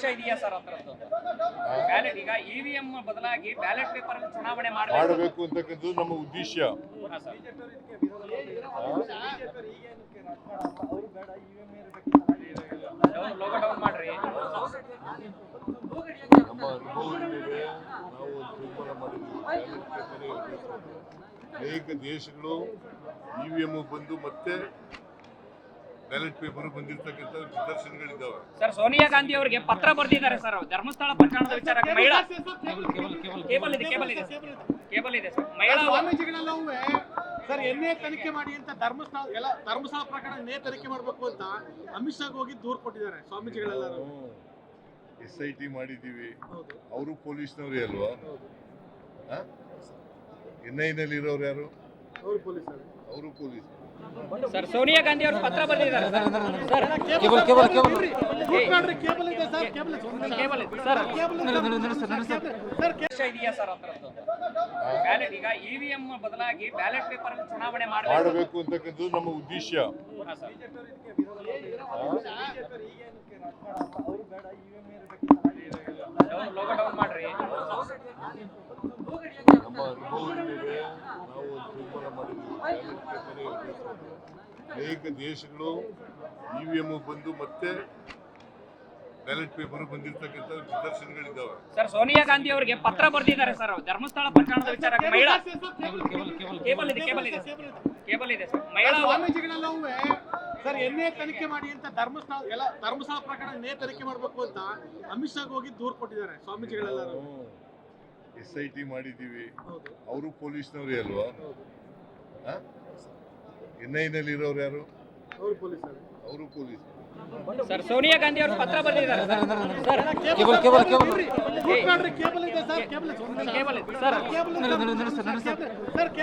ಇದೆಯಾ ಸರ್ ಹತ್ರದ್ದು ಬ್ಯಾಲೆಟ್ ಈಗ ಇವಿಎಂ ಬದಲಾಗಿ ಬ್ಯಾಲೆಟ್ ಪೇಪರ್ ಚುನಾವಣೆ ಮಾಡಬೇಕು ಅಂತಕ್ಕಂಥದ್ದು ನಮ್ಮ ಉದ್ದೇಶ. ಲೋಗೋ ಡೌನ್ ಮಾಡ್ರಿ. ನಮ್ಮ ಅನುಭವದ ಮೇಲೆ ನಾವು ಒಂದು ತೀರ್ಮಾನ ಮಾಡಿದ್ದೀವಿ. ಅನೇಕ ದೇಶಗಳು ಇವಿಎಂ ಬಂದು ಮತ್ತೆ ಬ್ಯಾಲೆಟ್ ಪೇಪರ್ ಬಂದಿರತಕ್ಕಂಥ ನಿದರ್ಶನಗಳಿದ್ದಾವೆ. ಸರ್ ಸೋನಿಯಾ ಗಾಂಧಿ ಅವರಿಗೆ ಪತ್ರ ಬರೆದಿದ್ದಾರೆ ಸರ್ ಧರ್ಮಸ್ಥಳ ಪ್ರಕರಣದ ವಿಚಾರ. ಮಹಿಳಾ ಕೇಬಲ್ ಇದೆ ಸರ್. ಮಹಿಳಾ ಸ್ವಾಮೀಜಿಗಳೆಲ್ಲವೂ ಸರ್ ಎನ್ನೇ ತನಿಖೆ ಮಾಡಿ ಅಂತ ಧರ್ಮಸ್ಥಳ ಪ್ರಕರಣ ಎನ್ನೇ ತನಿಖೆ ಮಾಡಬೇಕು ಅಂತ ಅಮಿತ್ ಶಾಗ್ ಹೋಗಿ ದೂರು ಕೊಟ್ಟಿದ್ದಾರೆ ಸ್ವಾಮೀಜಿಗಳೆಲ್ಲರೂ. SIT ಮಾಡಿದ್ದೀವಿ. ಅವರು ಪೊಲೀಸ್ನವ್ರೇ ಅಲ್ವಾ? NI ನಲ್ಲಿ ಇರೋರು ಯಾರು? ಅವರು ಪೊಲೀಸ್. ಸರ್ ಸೋನಿಯಾ ಗಾಂಧಿ ಅವರು ಪತ್ರ ಬರೆದಿದ್ದಾರೆ ಸರ್. ಇದೆಯಾ ಸರ್ ಹತ್ರದ್ದು ಬ್ಯಾಲೆಟ್ ಈಗ ಇವಿಎಂ ಬದಲಾಗಿ ಬ್ಯಾಲೆಟ್ ಪೇಪರ್ ಚುನಾವಣೆ ಮಾಡಬೇಕು ಅಂತಕ್ಕಂಥದ್ದು ನಮ್ಮ ಉದ್ದೇಶ. ಲೋಗೋ ಡೌನ್ ಮಾಡ್ರಿ. ನಮ್ಮ ಅನುಭವದ ಮೇಲೆ ನಾವು ಒಂದು ತೀರ್ಮಾನ ಮಾಡಿದ್ದೀವಿ. ಅನೇಕ ದೇಶಗಳು ಇವಿಎಂ ಬಂದು ಮತ್ತೆ ಬ್ಯಾಲೆಟ್ ಪೇಪರ್ ಬಂದಿರತಕ್ಕಂಥ ನಿದರ್ಶನಗಳಿದ್ದಾವೆ. ಸರ್ ಸೋನಿಯಾ ಗಾಂಧಿ ಅವರಿಗೆ ಪತ್ರ ಬರೆದಿದ್ದಾರೆ ಸರ್ ಧರ್ಮಸ್ಥಳ ಪ್ರಕರಣದ ವಿಚಾರ. ಮಹಿಳಾ ಕೇಬಲ್ ಇದೆ ಸರ್. ಮಹಿಳಾ ಸ್ವಾಮೀಜಿಗಳೆಲ್ಲವೂ ಸರ್ ಎನ್ನೇ ತನಿಖೆ ಮಾಡಿ ಅಂತ ಧರ್ಮಸ್ಥಳ ಪ್ರಕರಣ ಎನ್ನೇ ತನಿಖೆ ಮಾಡಬೇಕು ಅಂತ ಅಮಿತ್ ಶಾಗ್ ಹೋಗಿ ದೂರು ಕೊಟ್ಟಿದ್ದಾರೆ ಸ್ವಾಮೀಜಿಗಳೆಲ್ಲರೂ. SIT ಮಾಡಿದ್ದೀವಿ. ಅವರು ಪೊಲೀಸ್ನವ್ರೇ ಅಲ್ವಾ? NI ನಲ್ಲಿ ಇರೋರು ಯಾರು? ಅವರು ಪೊಲೀಸ್. ಸರ್ ಸೋನಿಯಾ ಗಾಂಧಿ ಅವರು ಪತ್ರ ಬರೆದಿದ್ದಾರೆ ಸರ್.